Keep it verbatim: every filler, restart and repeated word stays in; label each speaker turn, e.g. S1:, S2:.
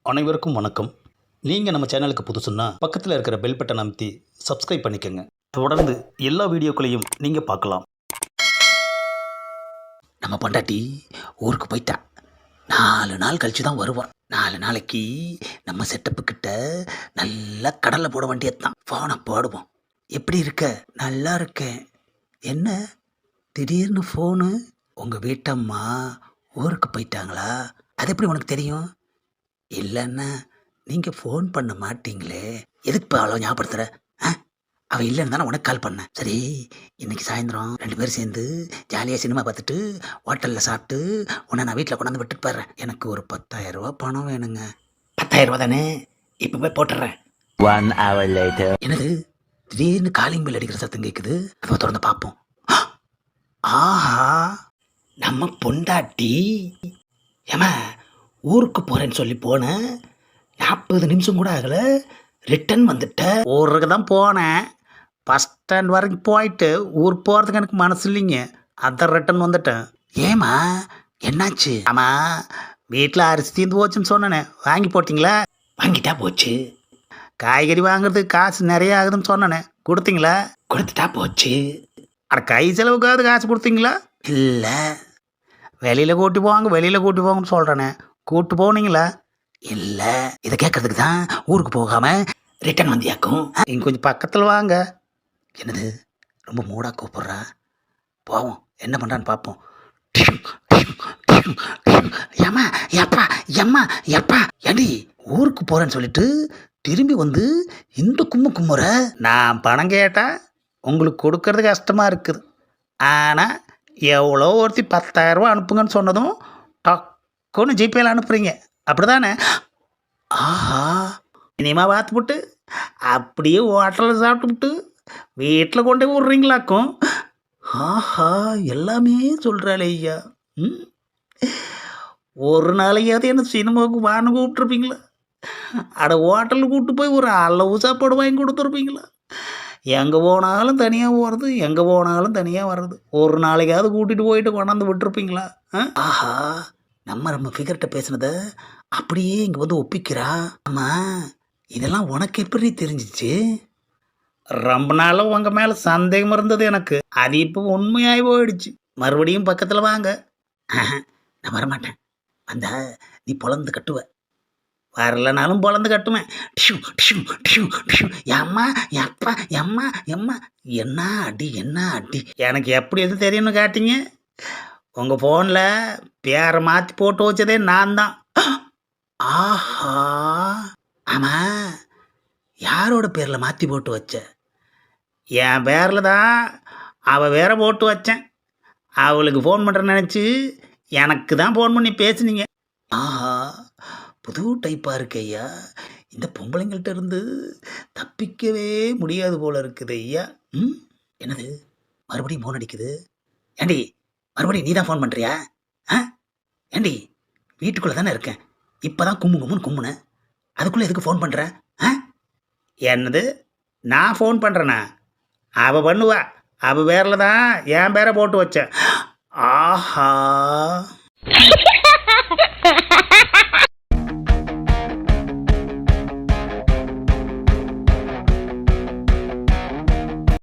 S1: அனைவருக்கும் வணக்கம். நீங்கள் நம்ம சேனலுக்கு புதுசுன்னா பக்கத்தில் இருக்கிற பெல் பட்டன் அமைத்தி சப்ஸ்கிரைப் பண்ணிக்கோங்க. தொடர்ந்து எல்லா வீடியோக்களையும் நீங்கள் பார்க்கலாம்.
S2: நம்ம பொண்டாட்டி ஊருக்கு போயிட்டா. நாலு நாள் கழிச்சு தான் வருவான். நாலு நாளைக்கு நம்ம செட்டப்பு கிட்ட நல்லா கடலை போட வேண்டியதுதான். ஃபோனை போடுவோம். எப்படி இருக்க? நல்லா இருக்கேன். என்ன திடீர்னு ஃபோனு? உங்கள் வீட்டம்மா ஊருக்கு போயிட்டாங்களா? அது எப்படி உனக்கு தெரியும்? இல்லைன்னா நீங்கள் ஃபோன் பண்ண மாட்டீங்களே, எதுக்கு இப்போ அவ்வளோ ஞாபகப்படுத்துகிற? ஆ அவள் இல்லைன்னு தானே உனக்கு கால் பண்ணேன். சரி, இன்னைக்கு சாயந்தரம் ரெண்டு பேரும் சேர்ந்து ஜாலியாக சினிமா பார்த்துட்டு ஹோட்டலில் சாப்பிட்டு உன்னை நான் வீட்டில் கொண்டாந்து விட்டுட்டு போயிடுறேன். எனக்கு ஒரு பத்தாயிரம் ரூபா பணம் வேணுங்க. பத்தாயிரம் ரூபா தானே? இப்போ போய் போட்டுடுறேன்.
S3: One hour later.
S2: என்னது திடீர்னு காலிங் பெல் அடிக்கிற சத்தம் கேட்குது. அதை திறந்து பார்ப்போம். ஆஹா, நம்ம பொண்டாட்டி. ஏமா ஊருக்கு போகிறேன்னு சொல்லி போனேன், நாற்பது நிமிஷம் கூட ஆகலை, ரிட்டன் வந்துட்டேன். ஊருக்கு தான் போனேன், பஸ் ஸ்டாண்ட் வரைக்கும் போயிட்டு ஊர் போகிறதுக்கு எனக்கு மனசு இல்லைங்க, அதான் ரிட்டன் வந்துட்டேன். ஏமா என்னாச்சு? ஆமாம், வீட்டில் அரிசி தீர்ந்து போச்சுன்னு சொன்னேனே, வாங்கி போட்டிங்களா? வாங்கிட்டா போச்சு. காய்கறி வாங்குறதுக்கு காசு நிறைய ஆகுதுன்னு சொன்னேனே, கொடுத்தீங்களா? கொடுத்துட்டா போச்சு. அட கை செலவுக்காவது காசு கொடுத்தீங்களா? இல்லை. வெளியில் கூட்டி போவாங்க வெளியில் கூட்டி போவாங்கன்னு சொல்கிறேனே, கூப்பிட்டு போனீங்களா? இல்லை. இதை கேட்கறதுக்கு தான் ஊருக்கு போகாமல் ரிட்டன் வந்தியாக்கும். இங்கே கொஞ்சம் பக்கத்தில் வாங்க. என்னது ரொம்ப மூடாக கூப்பிட்றா? போவோம், என்ன பண்ணுறான்னு பார்ப்போம். ஏம்மா எப்பா எம்மா எப்பா ஏண்டி ஊருக்கு போகிறேன்னு சொல்லிட்டு திரும்பி வந்து இந்த கும்மு கும்முற? நான் பணம் கேட்டால் உங்களுக்கு கொடுக்கறது கஷ்டமாக இருக்குது, ஆனால் எவ்வளோ ஒருத்தி பத்தாயிரரூபா அனுப்புங்கன்னு சொன்னதும் டக்குன்னு ஜிபேயில் அனுப்புகிறீங்க, அப்படி தானே? ஆஹா, இனிமா பார்த்துப்புட்டு அப்படியே ஹோட்டலில் சாப்பிட்டுவிட்டு வீட்டில் கொண்டு போய் விட்றீங்களாக்கும். ஆஹா, எல்லாமே சொல்கிறாளே ஐயா. ம் ஒரு நாளையாவது என்ன சினிமாவுக்கு வான்னு கூப்பிட்ருப்பீங்களா? அட ஹோட்டலுக்கு கூப்பிட்டு போய் ஒரு அளவு சாப்பாடு வாங்கி கொடுத்துருப்பீங்களா? எங்கே போனாலும் தனியாக போகிறது, எங்கே போனாலும் தனியாக வர்றது, ஒரு நாளைக்காவது கூட்டிகிட்டு போயிட்டு கொண்டாந்து விட்டுருப்பீங்களா? ஆஹா, நம்ம நம்ம ஃபிகர்கிட்ட பேசுனதை அப்படியே இங்கே வந்து ஒப்பிக்கிறா. ஆமாம், இதெல்லாம் உனக்கு எப்படி தெரிஞ்சிச்சு? ரொம்ப நாளாக உங்கள் மேலே சந்தேகம் இருந்தது எனக்கு, அது இப்போ உண்மையாகி போயிடுச்சு. மறுபடியும் பக்கத்தில் வாங்க. நான் வரமாட்டேன். வந்தா நீ பொழந்து கட்டுவ, வரலனாலும் பொழந்து கட்டுவேன். டிஷு டிஷு டிஷு டிஷு. எம்மா எப்பா எம்மா எம்மா என்ன அடி என்ன அடி. எனக்கு எப்படி எது தெரியும்னு காட்டிங்க? உங்கள் ஃபோனில் பேரை மாற்றி போட்டு வச்சதே நான் தான். ஆஹா, ஆமாம், யாரோட பேரில் மாற்றி போட்டு வச்ச? என் பேரில் தான். அவள் வேற போட்டு வச்சேன். அவளுக்கு ஃபோன் பண்ணுறேன்னு நினச்சி எனக்கு தான் ஃபோன் பண்ணி பேசுனீங்க. ஆஹா, புது டைப்பாக இருக்கு ஐயா. இந்த பொம்பளைங்கள்ட்ட இருந்து தப்பிக்கவே முடியாது போல இருக்குது ஐயா. ம் என்னது மறுபடியும் ஃபோன் அடிக்குது? ஏண்டி மறுபடியும் நீ தான் ஃபோன் பண்ணுறியா? ஆ ஏண்டி வீட்டுக்குள்ளே தானே இருக்கேன், இப்போ தான் கும்மு கும்முன்னு கும்முனேன், அதுக்குள்ளே எதுக்கு ஃபோன் பண்ணுற? ஆ என்னது நான் ஃபோன் பண்ணுறேண்ணா? அவள் பண்ணுவா, அவள் பேரில் தான் என் பேரை போட்டு வச்சேன். ஆஹா